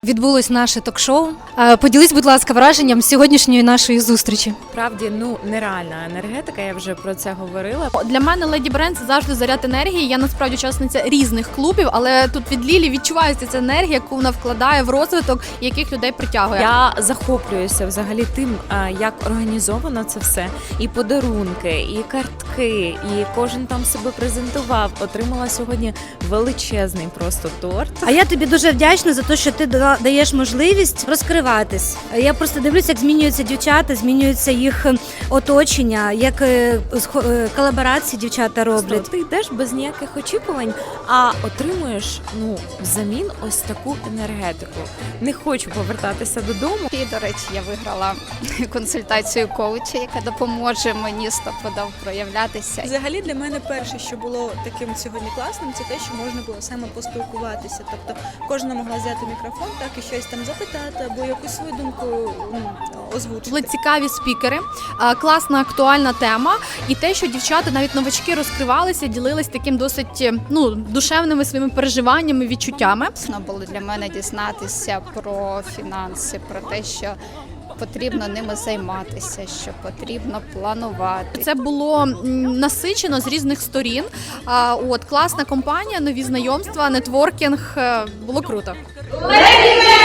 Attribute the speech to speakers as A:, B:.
A: Відбулось наше ток-шоу. Поділись, будь ласка, враженням сьогоднішньої нашої зустрічі.
B: Справді, нереальна енергетика, я вже про це говорила.
C: Для мене Леді Бренд – це завжди заряд енергії. Я насправді учасниця різних клубів, але тут від Лілі відчувається ця енергія, яку вона вкладає в розвиток, яких людей притягує.
B: Я захоплююся взагалі тим, як організовано це все. І подарунки, і картки, і кожен там себе презентував. Отримала сьогодні величезний просто торт.
D: А я тобі дуже вдячна за те, що ти даєш можливість розкриватись. Я просто дивлюся, як змінюються дівчата, змінюється їх оточення, як колаборації дівчата роблять.
B: Ти йдеш без ніяких очікувань, а отримуєш взамін ось таку енергетику. Не хочу повертатися додому.
E: І, до речі, я виграла консультацію коуча, яка допоможе мені стопудов проявлятися.
F: Взагалі для мене перше, що було таким сьогодні класним, це те, що можна було саме поспілкуватися. Тобто кожна могла взяти мікрофон, так і щось там запитати або якусь свою думку озвучити.
C: Були цікаві спікери, класна актуальна тема, і те, що дівчата, навіть новачки, розкривалися, ділились таким досить душевними своїми переживаннями, відчуттями.
E: Було для мене дізнатися про фінанси, про те, що потрібно ними займатися, що потрібно планувати.
C: Це було насичено з різних сторін. Класна компанія, нові знайомства, нетворкінг. Було круто.
G: Леді